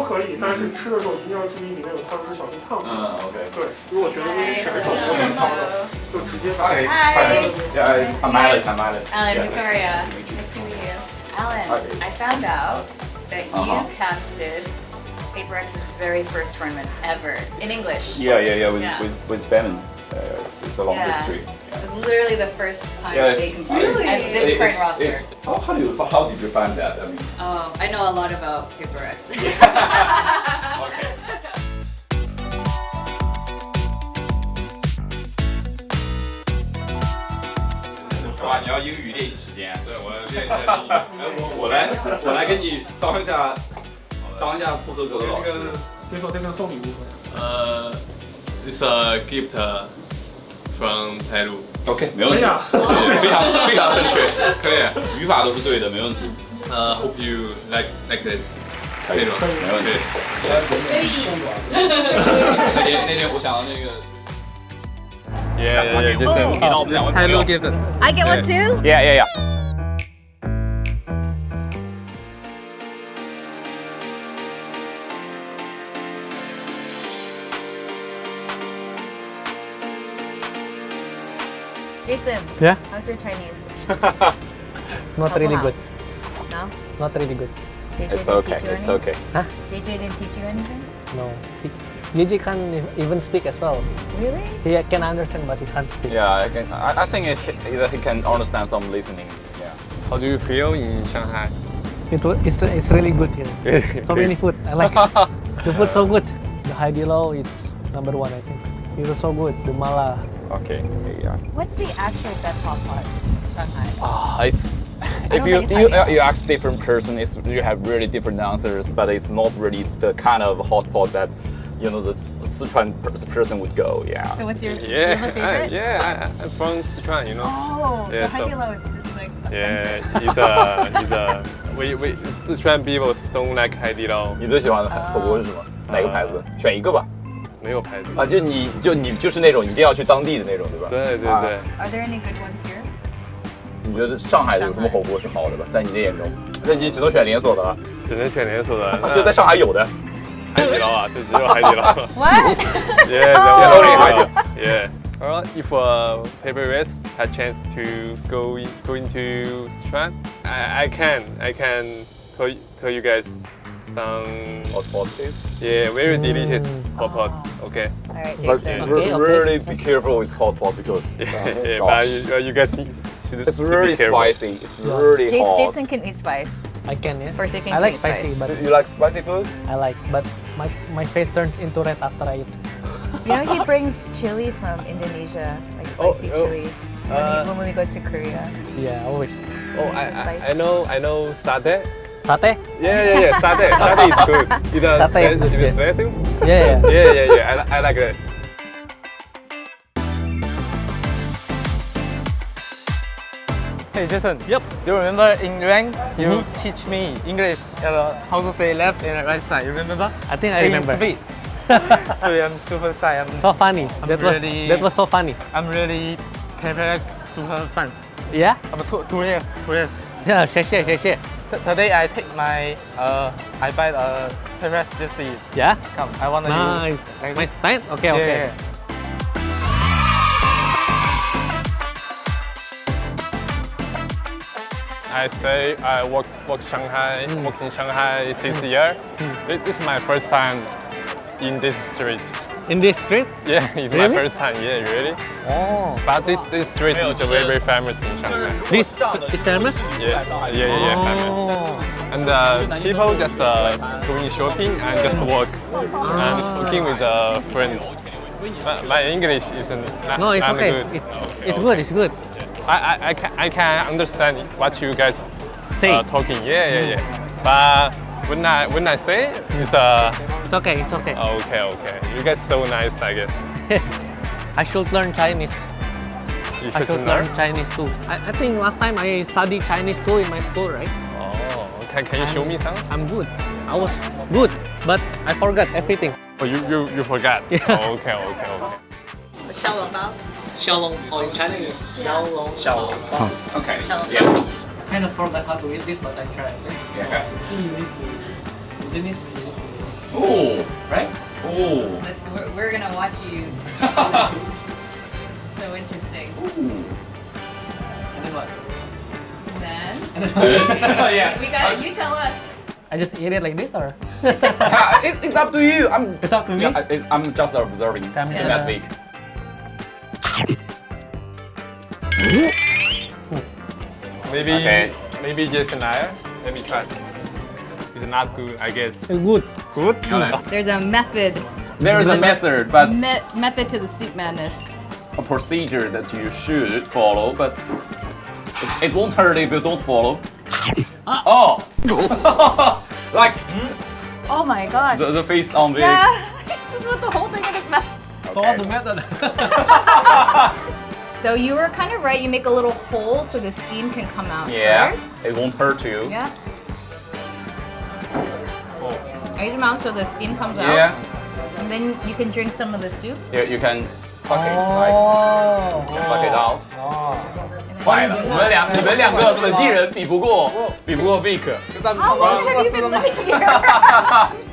可以，但是吃的时候一定要注意里面有汤汁，小心烫死。 OK。 对，如果觉得你选一种不能烫的，就直接打。 Hi. Yeah, I'm Alec. I'm Alec. Alan, Victoria. Nice to meet you. Alan, I found out that you casted Paper X's very first tournament ever in English. Yeah. With Benin. It's a long history. It was literally the first time they competed Really? as this current roster. How did you find that? I mean. Oh, I know a lot about Paper X. Okay. 哇，你要英语练习时间。对，我练一下英语。我来给你当一下不合格的老师。 这个送礼物。 It's a gift from Peru. OK， 没问题，非常正确，可以，语法都是对的，没问题。 Hope you like this. 可以，没问题。那天我想到那个。 Yeah. Just Peru gift. I get one too? Yeah. Jason. Yeah? How's your Chinese? Not really good. No? Not really good. JJ It's didn't okay. teach you It's anything? okay. Huh? JJ didn't teach you anything? No. Yuji can't even speak as well. Really? He can understand, but he can't speak. Yeah, I think he can understand some listening. Yeah. How do you feel in Shanghai? It's really good here. So many food. I like it. The food so good. The Haidilao is number one, I think. It's so good. The mala. Okay. Yeah. What's the actual best hot pot in Shanghai? It's I if don't you think it's you ask different person, you have really different answers, but it's not really the kind of hot pot that the Sichuan person would go. Yeah. So what's your, do you have a favorite? I'm from Sichuan, you know. Oh, Yeah, so so- Haidilao is like Yeah, offensive. we Sichuan people don't like Haidilao. 你最喜欢的火锅是什么？哪个牌子？选一个吧。 没有牌子。 啊，就你就是那种一定要去当地的那种，对吧？ 对。 Are there any good ones here? 你觉得上海有什么火锅是好的吧？在你的眼中，那你只能选连锁的了。 只能选连锁的。 就在上海有的。 海底捞啊，就只有海底捞。 What? Yeah, only Haidilao. Yeah. If Paper Race had chance to go into Sichuan, I can tell you guys some hot pot taste. very delicious hot pot. Okay. All right, But Jason. Okay. really be careful with hot pot because Yeah, gosh. but you guys should It's be really careful. spicy. It's really hot. Jason can eat spice. I can, yeah. First, you can I like eat spicy, spice. but You like spicy food? I like. But my face turns into red after I eat. You know, he brings chili from Indonesia, like spicy chili. When we go to Korea. Yeah, always. Oh, It's so spicy. I know satay. Satay? Yeah. Satay is good. Satay is good, It's yeah. spicy. Yeah. Yeah. I like it. Hey Jason. Yep. Do you remember in rank you teach me English how to say left and right side? You remember? I think I In remember. speed. Sorry, I'm super shy. So funny. That was so funny. I'm really Paper super fans. Yeah? I'm 2 years. Yeah, 谢谢. Today I take my I buy Paper jersey. Yeah? Come, I want to Nice. like My this. style? Okay. Yeah. I work Shanghai, work in Shanghai since year. This is my first time in this street. In this street? Yeah, it's Really? my first time. Yeah, really. Oh. But this street is very famous in Shanghai. This is famous? Yeah, famous. Oh. And people just going shopping and just walk and working with a friend. My English isn't No, it's not okay. good. It's good. I can understand what you guys Say. talking. Yeah. But when I say it's It's okay. okay. You guys so nice like it. I should learn Chinese. You I should should learn Chinese too. I think last time I studied Chinese too in my school, right? Oh, can you show me some? I'm good. I was good, but I forgot everything. Oh, you forgot. Yeah. Oh, okay. 小笼包. Xiaolong, or in Chinese, Xiaolong. Okay. Yeah. Kind of forgot how to eat this, but I tried. Yeah. You need to. Oh, right? Oh. We're gonna watch you do this. This is so interesting. And then what? Then Yeah. we got it. You tell us. I just eat it like this or? It's up to you. It's up to me. I'm just observing. Time Same to- as week. Maybe Okay. maybe just an hour. Let me try. It's not good, I guess. Good. Good? There's a method. There is a method, but Method to the soup madness. a procedure that you should follow, but it won't hurt if you don't follow. Oh! Like Oh my god. the face on the. Yeah. He just put the whole thing in his mouth. Follow the method. So you were kind of right. You make a little hole so the steam can come out Yeah, first. it won't hurt you. Yeah. Raise your mouth so the steam comes out. Yeah. And then you can drink some of the soup. You can suck it, like Oh. you can suck it out. 坏了，你们两个本地人比不过 Vic。 How long have you been living here?